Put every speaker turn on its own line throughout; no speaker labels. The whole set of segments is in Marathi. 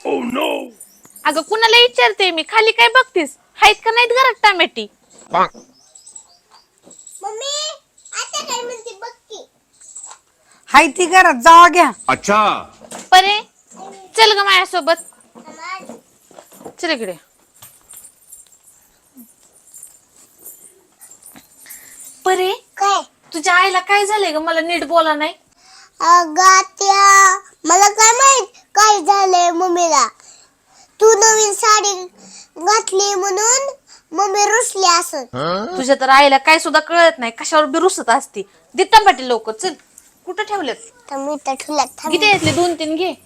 अगं कुणाला विचारते मी, खाली काय बघतीस? आहेत का नाहीत घरात टमाटी?
मम्मी आता काय म्हणते बघ की.
हाय ती घरात जावा घ्या.
अच्छा
परे चल ग माझ्यासोबत, चल इकडे. परे
काय
तुझ्या आईला काय झालंय ग? मला नीट बोला नाही.
अगं त्या मला काय माहित काय झालंय मम्मीला. तू नवीन साडी घातली म्हणून मम्मी रुसली असं.
तुझ्या तर आईला काय सुद्धा कळत नाही, कशावर बी रुसत असती. दे टमाटे लोक, चल. कुठं ठेवलेत?
तर मी तर ठुला
किती घेतले? 2-3 घे,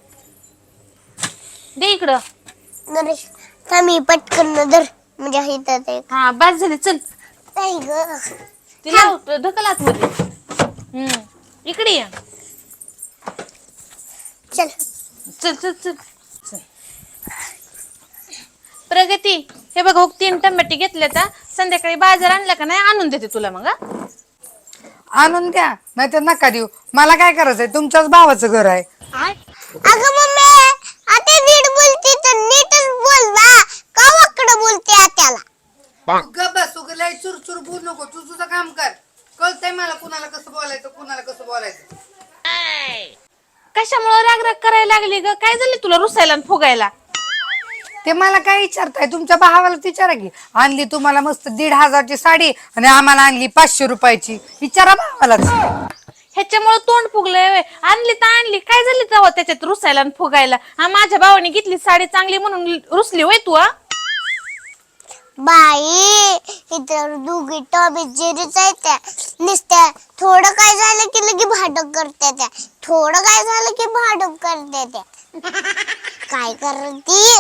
दे इकडं.
नरेश थांबी पटकन धर म्हणजे हिथं ते
हा बस झाले, चल.
नाही ग.
तिला ढकल आतमध्ये. इकडे ये.
चल
चल चल चल चल. प्रगती, हे बघ हो 3 टमाटे घेतले तर संध्याकाळी बाजार आणला का नाही आणून देते तुला मग.
आणून द्या, नाही तर नका देऊ. मला काय करायचंय? तुमच्याच भावाचं घर आहे.
अगं मम्मी आता नीट बोलते तर नीटच बोल ना. का वाकडं बोलते आत्याला?
बस लय चुरचुर बोल नको. तू तुझं काम कर. कळतंय मला कुणाला कसं बोलायचं, कुणाला कसं बोलायचं.
कशामुळे राग राग करायला लागली ग? काय झाले तुला रुसायला आणि फुगायला?
ते मला काय विचारताय? तुमच्या भावाला विचारा की. आणली तुम्हाला मस्त 1,500ची साडी आणि आम्हाला आणली 500 रुपयाची. विचारा भावाला.
ह्याच्यामुळे तोंड फुगलंय. आणली तर आणली, काय झाली तेव्हा त्याच्यात रुसायला आणि फुगायला? हा माझ्या भावाने घेतली साडी चांगली म्हणून रुसली होय तू?
बाई इतर दोघी टॉबी जिरीच आहे त्या. नुसत्या थोडं काय झालं की लगे भांडण करते त्या. थोडं काय झालं की भांडण करते त्या. काय करती?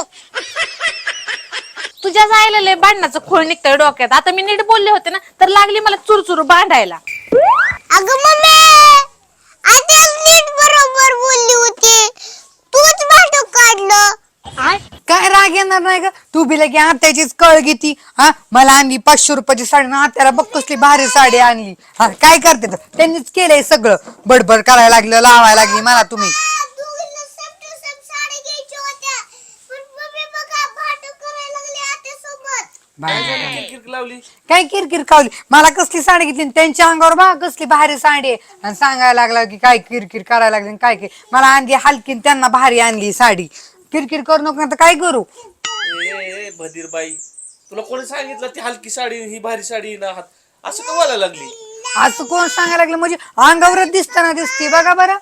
तुझ्या जायला लय भांडणाचं खोळ निघतंय डोक्यात. आता मी नीट बोलले होते ना तर लागली मला चुरचुर भांडायला.
अगं मम्मी आता नीट बरोबर बोलली होती, तूच भांडण काढलं.
काय राग येणार नाही का? तू बी लगे आत्याचीच कळ घेती. हा मला आणली 500 रुपयाची साडी ना आत्याला बघ कसली भारी साडी आणली. हा काय करते तर? त्यांनीच केलंय सगळं. बडबड करायला लागलं, लावायला लागली मला तुम्ही.
दोघींना सेम टू सेम साडी घ्यायची होत्या पण मम्मी बघा भांडण करायला लागली आत्यासोबत.
किरकिर लावली.
काय किरकिर खावली? मला कसली साडी घेतली त्यांच्या अंगावर बघा कसली भारी साडी आहे. आणि सांगायला लागला की काय किरकिर करायला लागली. काय काय मला आणली हलकी, त्यांना भारी आणली साडी. किरकिर करू नको ना तर काय करू?
ए बधीर बाई, तुला कोणी सांगितलं ती हलकी साडी ही भारी साडी ना? असं का बोलायला लागली?
असं कोण सांगायला लागलं? म्हणजे अंगावरच दिसताना दिसते बघा बरं.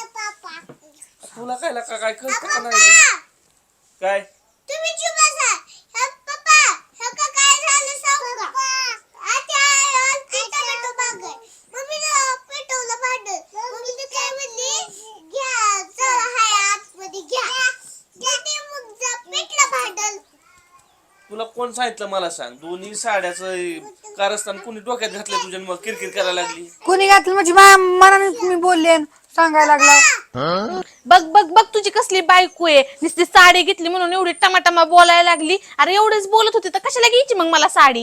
तुला काय लागा काय कळतं का नाही? काय
तुम्ही चुप बसा. पप्पा हे काय झालं सांगू का? आता आलती टोमॅटो बाग आहे. मम्मीने पेटवलं भांडण. मम्मीने काय म्हणली, घ्या चल हाय आतमध्ये घ्या. घेते मग जा पेटलं भांडण.
तुला कोण सांगितलं मला सांग? दोन्ही साड्याचं कारस्थान कुणी डोक्यात घातलं तुझ्या मग किरकिर करायला लागली?
कोणी घातलं म्हणजे मनाने तुम्ही बोलले सांगायला लागला.
बघ बघ बघ तुझी कसली बायको आहे. नुसती साडी घेतली म्हणून एवढी टमाटमा बोलायला लागली. अरे एवढेच बोलत होती तर कशाला घ्यायची मग मला साडी?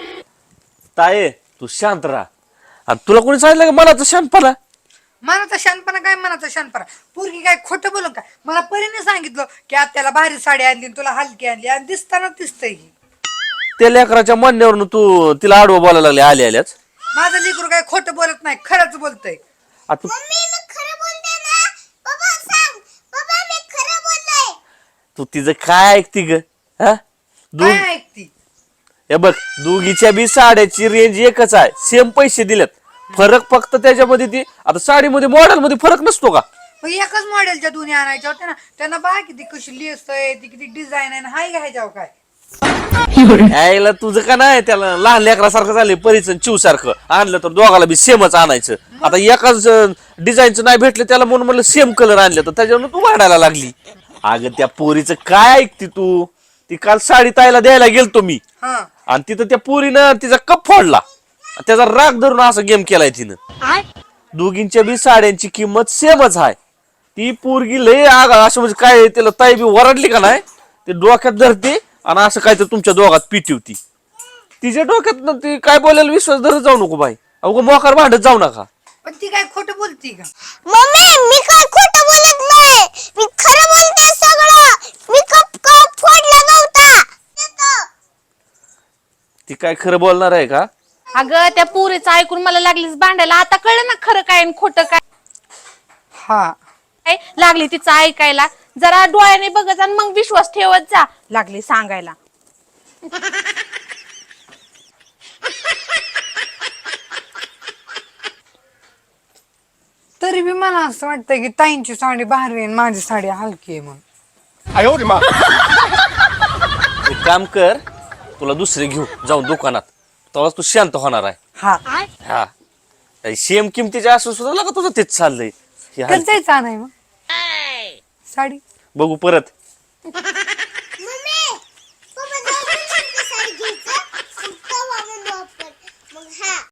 ताये तू शांत राहा. आणि तुला कोणी सांगितलं का मला तर शांतपणा?
मनाचा शानपणा काय? मनाचा शानपणा? पोरगी काय खोटं बोलून काय? मला परीने सांगितलं की आत्याला भारी साडी आणली तुला हलकी आणली आणि दिसताना दिसतंय.
त्या लेकराच्या म्हणण्यावरून तू तिला आडवं बोलायला लागले आल्याच.
माझं लेकरू काय खोटं बोलत नाही, खरंच बोलतय.
आता
मम्मी मी खरं बोलते ना? पप्पा सांग पप्पा मी खरं बोललोय.
तू तिचं काय ऐकती ग? हा
काय ऐकती?
हे बघ दोघीच्या बी साड्याची रेंज एकच आहे, सेम पैसे दिलेत. फरक फक्त त्याच्यामध्ये ती आता साडीमध्ये मॉडेल मध्ये फरक नसतो का?
मग एकच मॉडेलच्या दोन्ही आणायच्या होत्या ना. त्यांना बघा किती कशी लेस आहे, ती किती डिझाईन आहे. हाय घ्यायच्याव काय?
यायला तुझं का नाही? त्याला लहान लेकरासारखं झाले परीच चिव सारखं आणलं तर दोघाला बी सेमच आणायचं. आता एकाच डिझाईनचं नाही भेटलं त्याला म्हणून म्हणलं सेम कलर आणलं तर त्याच्यावर तू वाढायला लागली. अगं त्या पोरीचं काय ऐकती तू? ती काल साडी ताईला द्यायला गेलतो मी आणि तिथं त्या पोरीनं तिचा कप फोडला. त्याचा राग धरून असा गेम केलाय तिनं. दोघींच्या बी साड्यांची किंमत सेमच आहे. ती पोरगी लय असं म्हणजे काय त्याला ताई बी वरडली का नाही ते डोक्यात धरते आणि असं काय तर तुमच्या दोघात पिटवती. तिच्या डोक्यात ती काय बोलायला विश्वास धरत जाऊ नको बाई. अगं मोकार भांडत जाऊ नका.
पण ती काय खोटं बोलती का?
मम्मी मी काय खोटं बोलत नाही, मी खरं बोलते सगळं.
काय खरं बोलणार आहे का?
अगं त्या पुरीचं ऐकून मला लागलीच भांडायला. आता कळलं ना खरं काय आणि खोटं काय.
हा
काय लागली तिचं ऐकायला. जरा डोळ्याने बघत आणि मग विश्वास ठेवत जा. लागली सांगायला.
तरी बी मला असं वाटतं की ताईंची साडी भारी आहे आणि माझी साडी हलकी आहे म्हणून.
एक काम कर, तुला दुसरी घेऊ जाऊन दुकानात, तेव्हाच तू शांत होणार आहे.
हा
हा सेम किमतीच्या असून सुद्धा का तुझं तेच चाललंय. हे हाय.
कधी जायचं नाही मग साडी.
बघू परत.